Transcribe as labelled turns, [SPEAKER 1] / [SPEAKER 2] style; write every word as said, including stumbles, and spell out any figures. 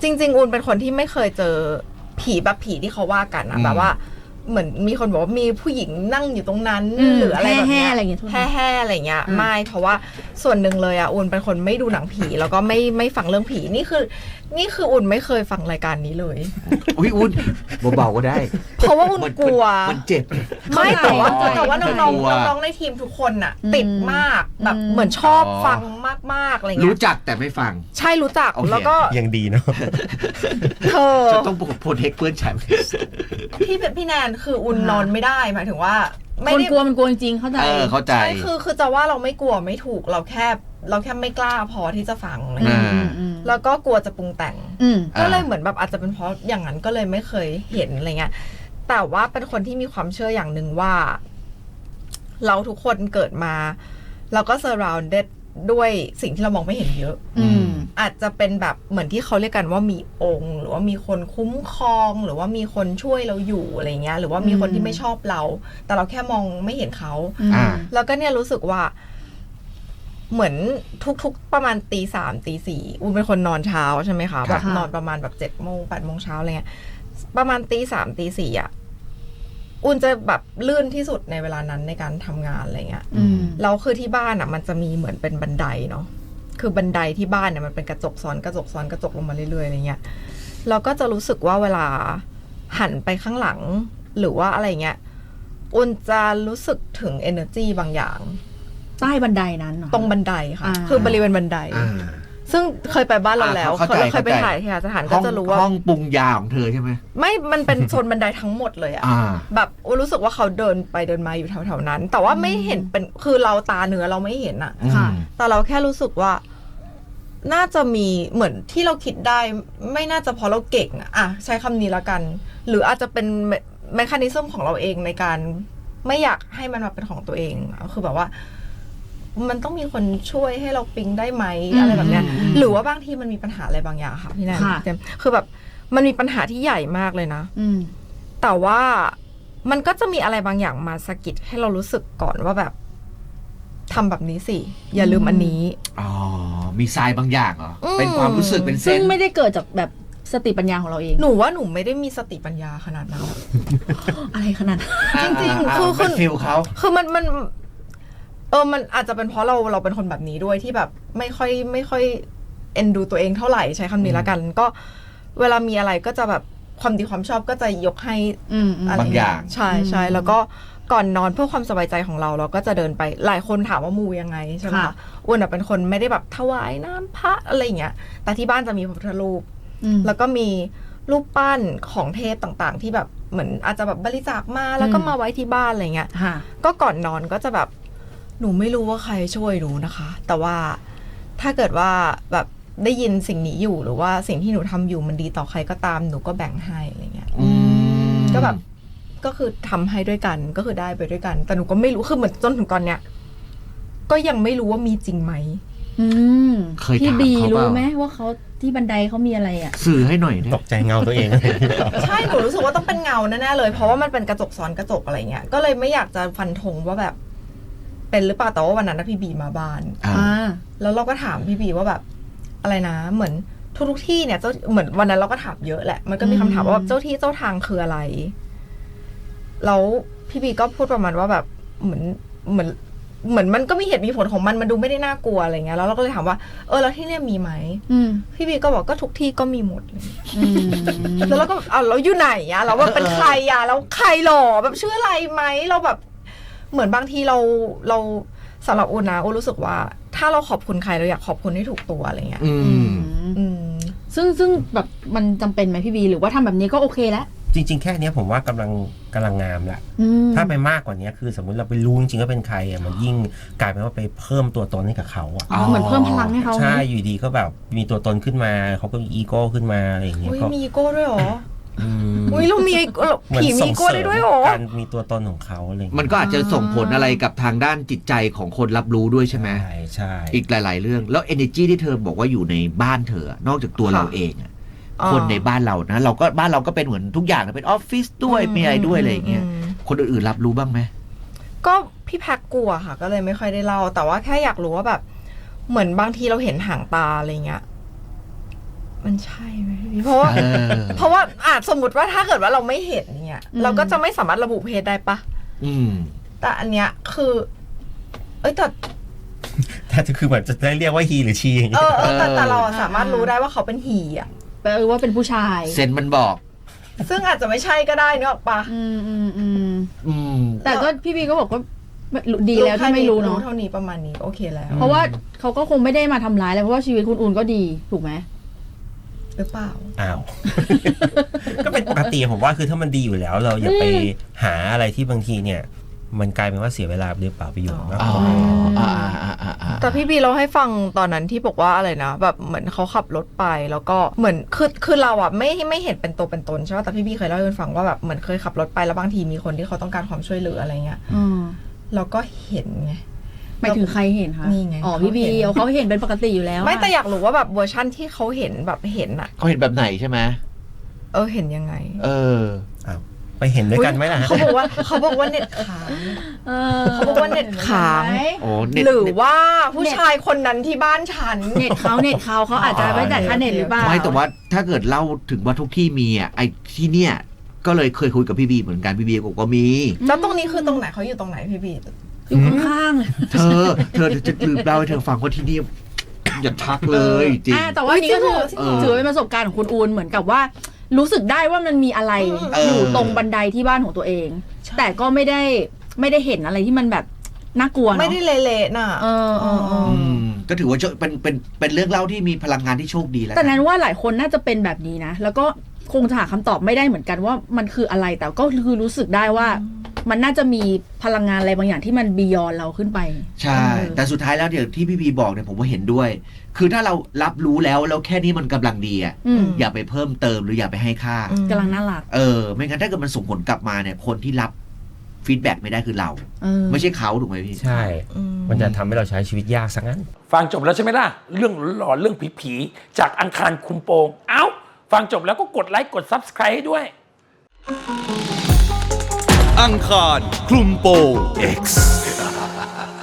[SPEAKER 1] จริงๆอุ่นเป็นคนที่ไม่เคยเจอผีแบบผีที่เขาว่ากันนะแบบว่าเหมือนมีคนบอกว่ามีผู้หญิงนั่งอยู่ตรงนั้นหรืออะไรแบบเนี้ยแห่แห่อะไรเงี้ยไม่เพราะว่าส่วนหนึ่งเลยอ่ะอุ่นเป็นคนไม่ดูหนังผีแล้วก็ไม่ไม่ฟังเรื่องผีนี่คือนี่คืออุ่นไม่เคยฟังรายการนี้เลย
[SPEAKER 2] อุ้ยอุ่นเบาๆก็ได้
[SPEAKER 1] เพราะว่าอุ่นกลัว
[SPEAKER 2] มันเจ็บ
[SPEAKER 1] ไม่แต่ว่าแต่ว่าน้องๆน้องๆในทีมทุกคนอ่ะติดมากแบบเหมือนชอบฟังมากๆอะไรเงี้ย
[SPEAKER 2] รู้จักแต่ไม่ฟัง
[SPEAKER 1] ใช่รู้จักแล้วก็
[SPEAKER 3] ยังดีเนาะ
[SPEAKER 1] เธอ
[SPEAKER 2] จะต้องโปรเทคเพื่อนฉัน
[SPEAKER 1] พี่เป็นพี่แนนคืออุ่นนอนไม่ได้หมายถึงว่า
[SPEAKER 4] ไม่ได้กลัวมันกลัวจริงเข้าใจ
[SPEAKER 2] เออเข้าใจ
[SPEAKER 1] ใช่คือคือจะว่าเราไม่กลัวไม่ถูกเราแค่เราแค่ไม่กล้าพอที่จะฟังอะไรเงี้ยแล้วก็กลัวจะปรุงแต่งก็เลยเหมือนแบบอาจจะเป็นเพราะอย่างนั้นก็เลยไม่เคยเห็นอะไรเงี้ยแต่ว่าเป็นคนที่มีความเชื่ออย่างหนึ่งว่าเราทุกคนเกิดมาเราก็ surrounded ด้วยสิ่งที่เรามองไม่เห็นเยอะอาจจะเป็นแบบเหมือนที่เขาเรียกกันว่ามีองค์หรือว่ามีคนคุ้มครองหรือว่ามีคนช่วยเราอยู่อะไรเงี้ยหรือว่ามีคนที่ไม่ชอบเราแต่เราแค่มองไม่เห็นเขาแล้วก็เนี่ยรู้สึกว่าเหมือนทุกๆประมาณตีสามตีสี่อุ่นเป็นคนนอนเช้าใช่ไหมคะแบบนอนประมาณแบบเจ็ดโมงแปดโมงเช้าอะไรเงี้ยประมาณตีสามตีสี่อ่ะอุ่นจะแบบลื่นที่สุดในเวลานั้นในการทำงานอะไรเงี้ยแล้วคือที่บ้านอ่ะมันจะมีเหมือนเป็นบันไดเนาะคือบันไดที่บ้านเนี่ยมันเป็นกระจกซ้อนกระจกซ้อนกระจกลงมาเรื่อยๆอะไรเงี้ยเราก็จะรู้สึกว่าเวลาหันไปข้างหลังหรือว่าอะไรเงี้ยอุ่นจะรู้สึกถึง energy บางอย่าง
[SPEAKER 4] ใต้บันไดนั้น
[SPEAKER 1] ตรงบันไดค่ะคือบริเวณบันไดซึ่งเคยไปบ้านเราแล้วเคยไปถ่ายที่สถานก็จะรู้ว่า
[SPEAKER 2] ห้องปรุงยาของเธอใช่ไหม
[SPEAKER 1] ไม่มันเป็นโซนบันไดทั้งหมดเลยอะแบบรู้สึกว่าเขาเดินไปเดินมาอยู่แถวๆนั้นแต่ว่าไม่เห็นเป็นคือเราตาเนื้อเราไม่เห็นอะแต่เราแค่รู้สึกว่าน่าจะมีเหมือนที่เราคิดได้ไม่น่าจะเพราะเราเก่งอะอะใช้คำนี้ละกันหรืออาจจะเป็นเมคานิซึมของเราเองในการไม่อยากให้มันมาเป็นของตัวเองคือแบบว่ามันต้องมีคนช่วยให้เราปิ๊งได้ไหมอะไรแบบเนี้ยหรือว่าบางทีมันมีปัญหาอะไรบางอย่างค่ะพี่แนนคือแบบมันมีปัญหาที่ใหญ่มากเลยนะแต่ว่ามันก็จะมีอะไรบางอย่างมาสะกิดให้เรารู้สึกก่อนว่าแบบทำแบบนี้สิอย่าลืมอันนี้
[SPEAKER 2] อ๋อมีทรายบางอย่างเหรอเป็นความรู้สึกเป็นเส้น
[SPEAKER 4] ซึ่งไม่ได้เกิดจากแบบสติปัญญาของเราเอง
[SPEAKER 1] หนูว่าหนูไม่ได้มีสติปัญญาขนาดนั้น
[SPEAKER 4] อะไรขนาด
[SPEAKER 1] จริงๆคือ
[SPEAKER 2] คือฟิลเขา
[SPEAKER 1] คือมันมันเออมันอาจจะเป็นเพราะเราเราเป็นคนแบบนี้ด้วยที่แบบไม่ค่อยไม่ค่อยเอ็นดูตัวเองเท่าไหร่ใช้คำนี้ละกันก็เวลามีอะไรก็จะแบบความดีความชอบก็จะยกให้
[SPEAKER 2] บางอย่าง
[SPEAKER 1] ใช่ใช่แล้วก็ก่อนนอนเพื่อความสบายใจของเราเราก็จะเดินไปหลายคนถามว่ามูยังไงใช่ไหมคะอ้วนเป็นคนไม่ได้แบบถวายน้ำพระอะไรอย่างเงี้ยแต่ที่บ้านจะมีพระพุทธรูปแล้วก็มีรูปปั้นของเทพต่างๆที่แบบเหมือนอาจจะแบบบริจาคมาแล้วก็มาไว้ที่บ้านอะไรเงี้ยก็ก่อนนอนก็จะแบบหนูไม่รู้ว่าใครช่วยหนูนะคะแต่ว่าถ้าเกิดว่าแบบได้ยินสิ่งนี้อยู่หรือว่าสิ่งที่หนูทำอยู่มันดีต่อใครก็ตามหนูก็แบ่งให้อะไรเงี้ยก็แบบก็คือทำให้ด้วยกันก็คือได้ไปด้วยกันแต่หนูก็ไม่รู้คือเหมือนจนถึงตอนเนี้ยก็ยังไม่รู้ว่ามีจริงไหม
[SPEAKER 4] พี่บีรู้ไหมว่าเขาที่บันไดเขามีอะไรอ่ะ
[SPEAKER 2] สื่อให้หน่อย
[SPEAKER 3] ตกใจเงาตัวเอง
[SPEAKER 1] ใช่หนูรู้สึกว่าต้องเป็นเงาแน่ๆเลยเพราะว่ามันเป็นกระจกซ้อนกระจกอะไรเงี้ยก็เลยไม่อยากจะฟันธงว่าแบบเป็นหรือเปล่าแต่ว่าวันนั้นพี่บีมาบ้านแล้วเราก็ถามพี่บีว่าแบบอะไรนะเหมือนทุกๆที่เนี่ยเจ้าเหมือนวันนั้นเราก็ถามเยอะแหละมันก็มีคำถามว่าเจ้าที่เจ้าทางคืออะไรแล้วพี่บีก็พูดประมาณว่าแบบเหมือนเหมือนเหมือนมันก็มีเหตุมีผลของมันมันดูไม่ได้น่ากลัวอะไรเงี้ยแล้วเราก็เลยถามว่าเออแล้วที่เนี่ยมีไหมพี่บีก็บอกก็ทุกที่ก็มีหมดเลยแล้วเราก็เอาเราอยู่ไหนอะเราว่าเป็นใครอะแล้วใครหรอแบบชื่ออะไรไหมเราแบบเหมือนบางทีเราเราสำหรับอุ่นนะอุ่นรู้สึกว่าถ้าเราขอบคุณใครเราอยากขอบคุณให้ถูกตัวอะไรเงี้ย
[SPEAKER 4] ซึ่งซึ่งแบบมันจำเป็นไหมพี่บีหรือว่าทำแบบนี้ก็โอเคแล้ว
[SPEAKER 3] จริงๆแค่นี้ผมว่ากำลังกำลังงามแหละถ้าไปมากกว่านี้คือสมมุติเราไปรู้จริงๆก็เป็นใครอ่ะมันยิ่งกลายเป็นว่าไปเพิ่มตัวตนให้กับเขาอ่ะ
[SPEAKER 4] เหมือนเพิ่มพลังให้เขา
[SPEAKER 3] ใช่อยู่ดีก็แบบมีตัวตนขึ้นมาเขาก็มีอีโก้ขึ้นมาอะไรอย่างเงี้ย
[SPEAKER 1] ก็มีอีโก้ด้วยหรออุ้ยเรามีผีมีโก้ได้ด้วยหรอ
[SPEAKER 3] การมีตัวตนของเขาอะไร
[SPEAKER 2] มันก็อาจจะส่งผลอะไรกับทางด้านจิตใจของคนรับรู้ด้วยใช่ไหม
[SPEAKER 3] ใช่ใช่
[SPEAKER 2] อีกหลายๆเรื่องแล้ว energy ที่เธอบอกว่าอยู่ในบ้านเธอนอกจากตัวเราเองอะคนในบ้านเรานะเราก็บ้านเราก็เป็นเหมือนทุกอย่างเป็นออฟฟิศด้วยมีอะไรด้วยอะไรอย่างเงี้ยคนอื่นๆรับรู้บ้างไหม
[SPEAKER 1] ก็พี่แพ็กกลัวค่ะก็เลยไม่ค่อยได้เล่าแต่ว่าแค่อยากรู้ว่าแบบเหมือนบางทีเราเห็นหางตาอะไรเงี้ยมันใช่ไหมพี่เพราะว่าเพราะว่าอาจสมมติว่าถ้าเกิดว่าเราไม่เห็นเนี่ยเราก็จะไม่สามารถระบุเพศได้ปะ
[SPEAKER 2] อืม
[SPEAKER 1] แต่อันเนี้ยคือเอ้ยแต่
[SPEAKER 3] แต่คือเหมือนจะได้เรียกว่าฮีหรือชีอย่างเงี้
[SPEAKER 1] ยเออแต่แต่เราสามารถรู้ได้ว่าเขาเป็นฮีอ่ะ
[SPEAKER 4] แปลว่าเป็นผู้ชาย
[SPEAKER 2] เซนมันบอก
[SPEAKER 1] ซึ่งอาจจะไม่ใช่ก็ได้เนอะปะ
[SPEAKER 4] อืมอืมอืมอืมแต่ก็พี่บีก็บอกว่าดีแล้วที่ไม่รู้เนาะ
[SPEAKER 1] เท่านี้ประมาณนี้โอเคแล้ว
[SPEAKER 4] เพราะว่าเขาก็คงไม่ได้มาทำร้ายแล้วเพราะว่าชีวิตคุณอุ่นก็ดีถูกไหม
[SPEAKER 1] หรือเปล่า
[SPEAKER 3] อ้าวก็เป็นปกติผมว่าคือถ้ามันดีอยู่แล้วเราอย่าไปหาอะไรที่บางทีเนี่ยมันกลายเป็นว่าเสียเวลาหรือเปล่าไปอยู่มากกว่า
[SPEAKER 1] แต่พี่บีเราให้ฟังตอนนั้นที่บอกว่าอะไรนะแบบเหมือนเขาขับรถไปแล้วก็เหมือนคือคือเราอ่ะไม่ไม่เห็นเป็นตัวเป็นตนใช่ไหมแต่พี่บีเคยเล่าให้ฟังว่าแบบเหมือนเคยขับรถไปแล้วบางทีมีคนที่เขาต้องการความช่วยเหลืออะไรเงี้ยเราก็เห็นไง
[SPEAKER 4] หมายถึงใครเห็นคะ
[SPEAKER 1] นี่ไง
[SPEAKER 4] อ๋อพี่บีเขาเห็นเป็นปกติอยู่แล้ว
[SPEAKER 1] ไม่แต่อยากรู้ว่าแบบเวอร์ชั่นที่เขาเห็นแบบเห็นอ่ะ
[SPEAKER 2] เขาเห็นแบบไหนใช่ไหม
[SPEAKER 1] เออเห็นยังไง
[SPEAKER 2] เออ
[SPEAKER 3] ไปเห็นด้วยกันไหมล่ะ
[SPEAKER 1] เขาบอกว่าเขาบอกว่าเน็ตค้างเขาบอกว่าเน็ตค้างหรือว่าผู้ชายคนนั้นที่บ้านฉัน
[SPEAKER 4] เน็ตเขาเน็ตเขาเขาอาจจะไม่จ่ายค่าเน็ตหรือเปล่า
[SPEAKER 2] ไม่แต่ว่าถ้าเกิดเล่าถึงว่าทุกที่มีอ่ะไอ้ที่เนี่ยก็เลยเคยคุยกับพี่บีเหมือนกันพี่บีก็มี
[SPEAKER 1] แล้วตรงนี้คือตรงไหนเขาอยู่ตรงไหนพี่บี
[SPEAKER 4] อยู่ข้าง
[SPEAKER 2] ๆเธอเธอจะลืมเล่าให้เธอฟังว่าที่นี่อย่าทักเลยจริง
[SPEAKER 4] แต่ว่านี่ก็คือถือเป็นประสบการณ์ของคุณอูนเหมือนกับว่ารู้สึกได้ว่ามันมีอะไรอยู่ตรงบันไดที่บ้านของตัวเองแต่ก็ไม่ได้ไม่ได้เห็นอะไรที่มันแบบน่ากลัวเนาะ
[SPEAKER 1] ไม่ได้เละๆน่ะ
[SPEAKER 4] เออเออ
[SPEAKER 2] ก็ถือว่าเป็นเป็นเป็นเรื่องเล่าที่มีพลังงานที่โชคดีแล้ว
[SPEAKER 4] แต่นั้นว่าหลายคนน่าจะเป็นแบบนี้นะแล้วก็คงจะหาคำตอบไม่ได้เหมือนกันว่ามันคืออะไรแต่ก็คือรู้สึกได้ว่ามันน่าจะมีพลังงานอะไรบางอย่างที่มันบียอนเราขึ้นไป
[SPEAKER 2] ใช่แต่สุดท้ายแล้วเดี๋ยวที่พี่พีบอกเนี่ยผมว่าเห็นด้วยคือถ้าเรารับรู้แล้วแล้วแค่นี้มันกำลังดีอ่ะอย่าไปเพิ่มเติมหรืออย่าไปให้ค่าก
[SPEAKER 4] ำลังน่ารัก
[SPEAKER 2] เออไม่งั้นถ้าเกิดมันส่งผลกลับมาเนี่ยคนที่รับฟีดแบ็กไม่ได้คือเราไม่ใช่เขาถูกไหมพี่
[SPEAKER 3] ใช่มันจะทำให้เราใช้ชีวิตยากซะงั้น
[SPEAKER 5] ฟังจบแล้วใช่ไหมล่ะเรื่องหลอนเรื่องผีๆจากอังคารคุมโปงเอ้าฟังจบแล้วก็กดไลค์กด ซับสไครบ์ ให้ด้วย
[SPEAKER 6] อังคารคลุมโปง X